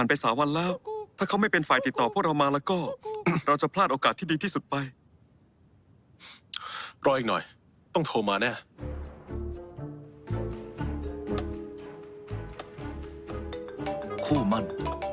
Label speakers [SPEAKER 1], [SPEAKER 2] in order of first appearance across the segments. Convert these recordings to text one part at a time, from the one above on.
[SPEAKER 1] ผ่านไป3 วันแล้ว ถ้าเขาไม่เป็นฝ่ายติดต่อพวกเรามาแล้วก็ เราจะพลาดโอกาสที่ดีที่สุดไป
[SPEAKER 2] รออีกหน่อย ต้องโทรมาแน่
[SPEAKER 3] คู่มั่น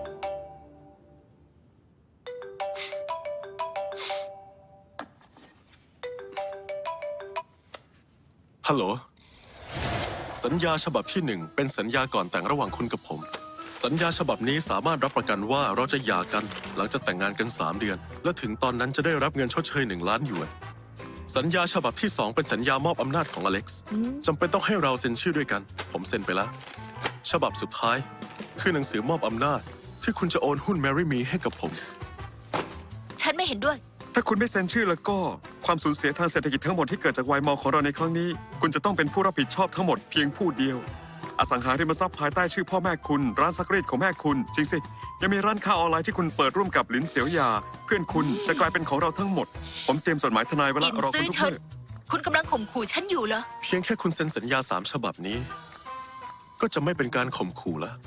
[SPEAKER 2] ฮัลโหล สัญญาฉบับที่ 1 เป็นสัญญาก่อนแต่งระหว่างคุณกับผม สัญญาฉบับนี้สามารถรับประกันว่าเราจะหย่ากันหลังจากแต่งงานกัน3 เดือน และถึงตอนนั้นจะได้รับเงินชดเชย1 ล้านหยวน สัญญาฉบับที่ 2 เป็นสัญญามอบอำนาจของอเล็กซ์จำเป็นต้องให้เราเซ็นชื่อด้วยกัน ผมเซ็นไปแล้ว ฉบับสุดท้ายคือหนังสือมอบอำนาจที่คุณจะโอนหุ้น Marry Me ให้กับผม
[SPEAKER 4] ฉันไม่เห็นด้วย
[SPEAKER 1] ถ้าคุณไม่เซ็นชื่อแล้วก็ความสูญเสียทางเศรษฐกิจทั้งหมดที่เกิดจากวายมอของเราในครั้งนี้ คุณจะต้องเป็นผู้รับผิดชอบทั้งหมดเพียงผู้เดียว อสังหาริมทรัพย์ภายใต้ชื่อพ่อแม่คุณ ร้านซักรีดของแม่คุณ จริงสิ ยังมีร้านค้าออนไลน์ที่คุณเปิดร่วมกับหลินเสียวยา เพื่อนคุณจะกลายเป็นของเราทั้งหมด ผมเตรียมจดหมายทนายไว้แล้ว
[SPEAKER 4] อิน
[SPEAKER 1] รอคุ
[SPEAKER 4] ซื้
[SPEAKER 1] ณ
[SPEAKER 4] อ
[SPEAKER 1] ทุก
[SPEAKER 4] เฉิน
[SPEAKER 1] เมื่อ
[SPEAKER 4] คุณกำลังข่มขู่ฉันอยู่เหรอ
[SPEAKER 2] เพียงแค่คุณเซ็นสัญญา3 ฉบับนี้ ก็จะไม่เป็นการข่มขู่แล้ว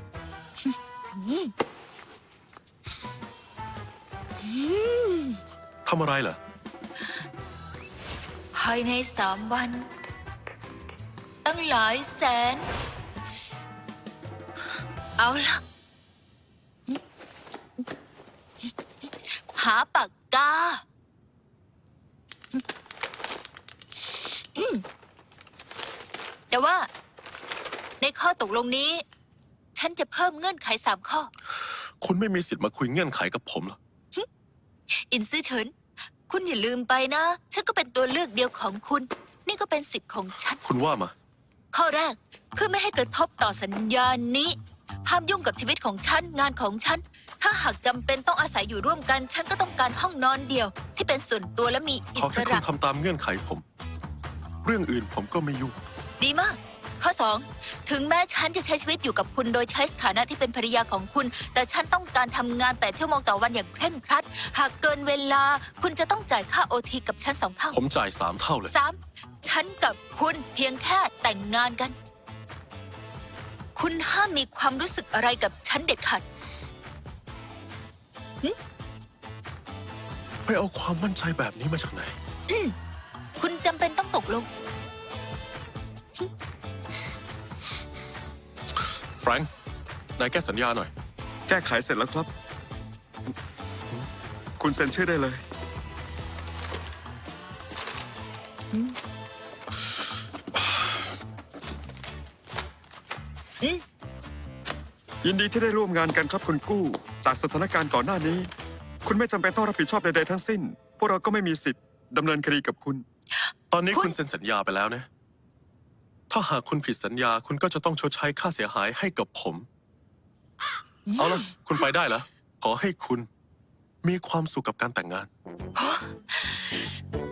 [SPEAKER 2] ทำอะไรเหรอ
[SPEAKER 4] ภายใน3 วัน ตั้งหลายแสน เอาล่ะ หาปากกา แต่ว่า ในข้อตกลงนี้ ฉันจะเพิ่มเงื่อนไข3 ข้อ
[SPEAKER 2] คุณไม่มีสิทธิ์มาคุยเงื่อนไขกับผมหรอก
[SPEAKER 4] อินซื่อเฉิน คุณอย่าลืมไปนะ ฉันก็เป็นตัวเลือกเดียวของคุณ นี่ก็เป็นสิทธิ์ของฉัน
[SPEAKER 2] คุณว่ามา
[SPEAKER 4] ข้อแรก เพื่อไม่ให้กระทบต่อสัญญานี้ ห้ามยุ่งกับชีวิตของฉัน งานของฉัน ถ้าหากจำเป็นต้องอาศัยอยู่ร่วมกัน ฉันก็ต้องการห้องนอนเดียว ที่เป็นส่วนตัวและมีอิ
[SPEAKER 2] ขอ
[SPEAKER 4] ส
[SPEAKER 2] แค่คุ
[SPEAKER 4] ระ
[SPEAKER 2] ณทำตามเงื่อนไขผม เรื่องอื่นผมก็ไม่ยุ่ง
[SPEAKER 4] ดีมาก ข้อ 2 ถึงแม้ฉันจะใช้ชีวิตอยู่กับคุณโดยใช้สถานะที่เป็นภรรยาของคุณ แต่ฉันต้องการทำงาน8 ชั่วโมงต่อวันอย่างเคร่งครัด หากเกินเวลา คุณจะต้องจ่ายค่าโอทีกับฉัน2 เท่า
[SPEAKER 2] ผมจ่าย3 เท่าเลย
[SPEAKER 4] 3. ฉันกับคุณเพียงแค่แต่งงานกัน คุณห้ามมีความรู้สึกอะไรกับฉันเด็ดขาด
[SPEAKER 2] ไปเอาความมั่นใจแบบนี้มาจากไหน
[SPEAKER 4] คุณจำเป็นต้องตกลง
[SPEAKER 2] แฟรงค์นายแก้สัญญาหน่อย
[SPEAKER 1] แก้ไขเสร็จแล้วครับ คุณเซ็นชื่อได้เลย ยินดีที่ได้ร่วมงานกันครับคุณกู้ จากสถานการณ์ก่อนหน้านี้ คุณไม่จำเป็นต้องรับผิดชอบใดๆทั้งสิ้น พวกเราก็ไม่มีสิทธิ์ดำเนินคดีกับคุณ
[SPEAKER 2] ตอนนี้
[SPEAKER 4] คุ
[SPEAKER 2] คุณ ณเซ็นสัญญาไปแล้วนะ ถ้าหากคุณผิดสัญญา คุณก็จะต้องชดใช้ค่าเสียหายให้กับผม เอาละคุณไปได้แล้ว ขอให้คุณมีความสุขกับการแต่งงาน